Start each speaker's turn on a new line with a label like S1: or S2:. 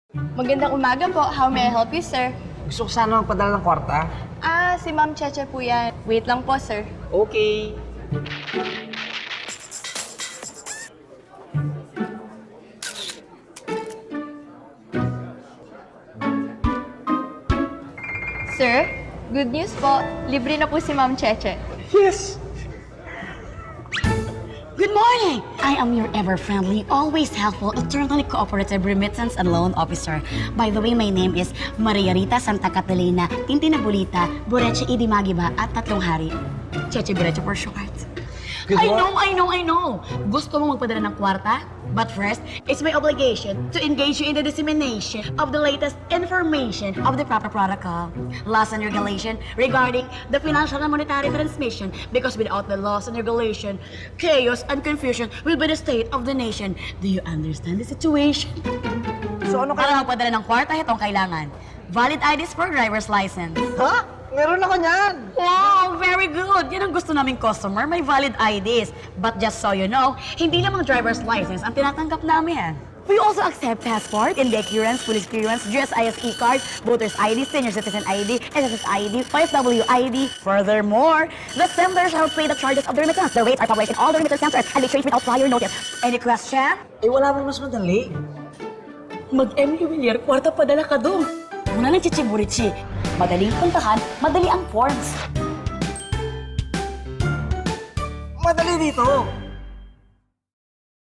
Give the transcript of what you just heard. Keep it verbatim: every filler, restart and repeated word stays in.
S1: Magandang umaga po. How may I help you, sir?
S2: Gusto ko sana magpadala ng kwarta.
S1: Ah, si Ma'am Cheche po yan. Wait lang po, sir.
S2: Okay.
S1: Sir, good news po. Libre na po si Ma'am Cheche.
S2: Yes!
S3: Good morning! I am your ever-friendly, always helpful, eternally cooperative remittance and loan officer. By the way, my name is Maria Rita Santa Catalina, Tintinabulita, Boreche Idimagiba, at Tatlong Hari. Cheche Boreche for short.
S2: Good
S3: I
S2: morning.
S3: know, I know, I know! Gusto mo magpadala ng kwarta? But first, it's my obligation to engage you in the dissemination of the latest information of the proper protocol, laws and regulation regarding the financial and monetary transmission, because without the laws and regulation, chaos and confusion will be the state of the nation. Do you understand the situation?
S2: So ano
S3: Para
S2: kaya?
S3: magpadala ng kwarta, itong kailangan. Valid I Ds for driver's license.
S2: Ha? Meron ako niyan!
S3: Wow, very good. Yan ang gusto naming customer, may valid I Ds. But just so you know, hindi lamang driver's license ang tinatanggap namin. We also accept passport, India clearance, police clearance, G S I S E card, voter's I D, senior citizen I D, S S S I D, O F W I D. Furthermore, the sender shall pay the charges of the remittance. The rates are published in all the remittance counters and they change without prior notice. Any question?
S2: Eh, wala bang mas madali?
S3: Mag-M U Villar, kwarta padala ka doon. Muna ng chichiburichi. Madaling puntahan, madali ang forms.
S2: Madali dito!